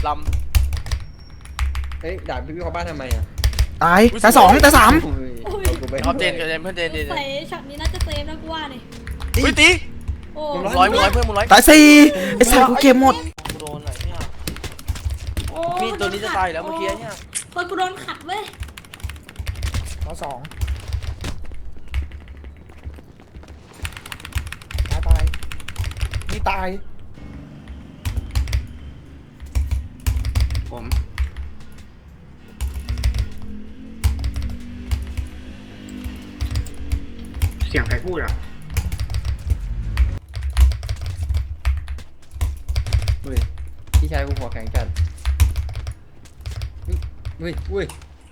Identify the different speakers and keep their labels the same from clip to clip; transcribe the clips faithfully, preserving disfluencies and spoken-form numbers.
Speaker 1: ล
Speaker 2: ำเฮ้ยด่าพี่พี่เขาบ้านทำไมอ่ะ
Speaker 3: ตายแต่สองแต่สาม
Speaker 1: ำเขาเจนกับเจนเพื่อนเจนเจน
Speaker 4: ใส่ช็อตนี้น่าจะเซฟนะกูว่าเนี่ย
Speaker 1: อุ้ยตี
Speaker 4: โอ้
Speaker 1: ร้อยมึงร้อยเพื่อนมึงร้อย
Speaker 3: ตายสี่ไอ้สัตว์กูเกมหมด
Speaker 1: กูโดนอะไรเนี่ย
Speaker 4: โอ้
Speaker 1: มีตัวนี้จะตายแล้วเมื่อกี้เนี่ย
Speaker 4: เฮ้ยกูโดนขัดเว้ย
Speaker 3: ต่อสองตายตายนี่ตาย
Speaker 5: ผมเสียงใครพูดอ่ะ
Speaker 2: เฮ้ยพี่ชายกูหัวแข็งจัดอุ้ยอุ้ย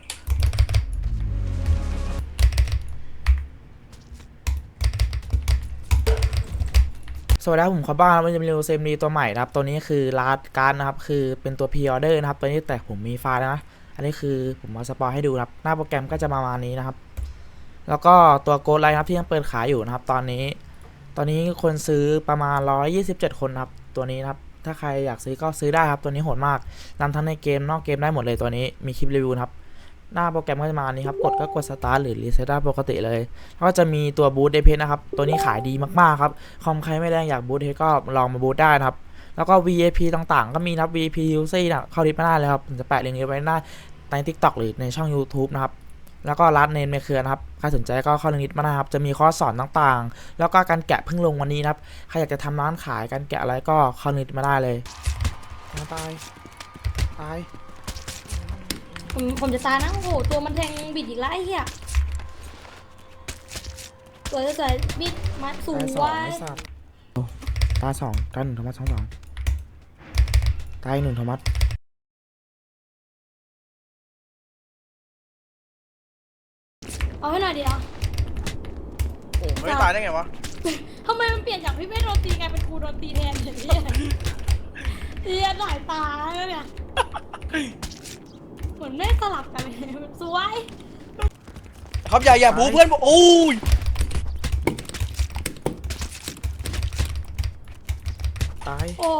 Speaker 3: สวัสดีครับผมขอบ้านมันจะมีเซมดีตัวใหม่นะครับตัวนี้คือลาดการ์ดนะครับคือเป็นตัวพรีออเดอร์นะครับตัวนี้แต่ผมมีไฟล์แล้วนะอันนี้คือผมมาสปอยให้ดูนะครับหน้าโปรแกรมก็จะประมาณนี้นะครับแล้วก็ตัวโกดไลน์ครับที่ยังเปิดขายอยู่นะครับตอนนี้ตอนนี้คนซื้อประมาณหนึ่งร้อยยี่สิบเจ็ดคนครับตัวนี้นะครับถ้าใครอยากซื้อก็ซื้อได้ครับตัวนี้โหดมากนำทั้งในเกมนอกเกมได้หมดเลยตัวนี้มีคลิปรีวิวครับหน้าโปรแกรมก็จะมานี้ครับกดก็กดสตาร์ทหรือรีเซ็ตได้ปกติเลยแล้วก็จะมีตัวบูทเดเพนนะครับตัวนี้ขายดีมากๆครับคอมใครไม่แรงอยากบูทเดก็ลองมาบูทได้นะครับแล้วก็ วี ไอ พี ต่างๆก็มีนะครับ วี ไอ พี ยู ซี นะเข้าลิสต์มาได้เลยครับผมจะแปะลิงก์ไว้หน้าใน ทิกต็อก หรือในช่อง ยูทูบ นะครับแล้วก็รัดเนนในเครือนะครับใครสนใจก็เข้าลิงก์มาได้ครับจะมีคอร์สสอนต่างๆแล้วก็การแกะเพิ่งลงวันนี้นะครับใครอยากจะทำร้านขายการแกะอะไรก็เข้าลิงก์มาได้เลยตายตาย
Speaker 4: ผมผมจะตายนะโอ้โหตัวมันแทงบิดอีกแล้วไอ้เหี้ยสวยสวยบิดมาสูงไว้
Speaker 3: ตาสองตาหนึ่งโทมัสสองสองตายหนึ่งโทมัส
Speaker 4: เอาให้หน่อยดิเอา
Speaker 1: โอ้ไม่ตายได้ไงวะ
Speaker 4: ทำไมมันเปลี่ยนจากพี่เป้โดนตีกลายเป็นกูโดนตีแทนอย่างนี้เฮียหลายตาแล้วเนี่ยเหมือนไม่สลับกันเลยสวย
Speaker 1: ครับอย่าอย่าบูเพื่อนโอ้ย
Speaker 3: ตาย
Speaker 4: โอ้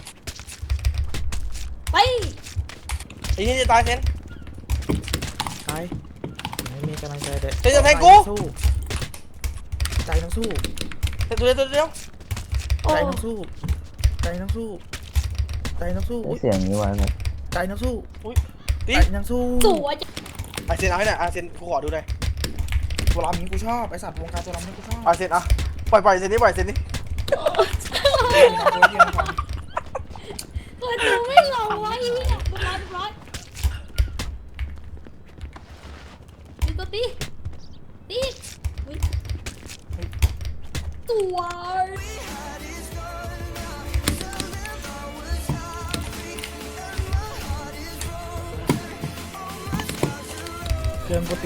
Speaker 4: ไป
Speaker 1: ไอ้นี่จะตายเซน
Speaker 3: ตายไม่มีกำลังใจเลย
Speaker 1: เซนจะแทงกู
Speaker 3: สู้ใจต้องสู้
Speaker 1: เซนตัวเดียวตัวเดียว
Speaker 4: โอ้
Speaker 3: ใจต้องสู้ใจต้องสู้ใจต้องสู้
Speaker 6: เสียงนี้ไว้ครับ
Speaker 3: ใจต้องสู้
Speaker 1: ตี
Speaker 3: ใจต้องสู้
Speaker 4: สวย
Speaker 1: ไอเซนเอาให้หน่อยไอเซนกูขอดูหน่อย
Speaker 3: ตัวรำนี้กูชอบไอสัตว์วงการตัวรำนี้กูชอบ
Speaker 1: ไอเซนอ่ะปล่อยปล่อยเซนนี่ปล่อยเซนนี่
Speaker 4: เฮ้ยตัวไม่หล่อวะอีเนี่ยเรียบร้อยเรียบร้อยตีตัวตีตีอุ๊ยสวย
Speaker 3: เครื่องกู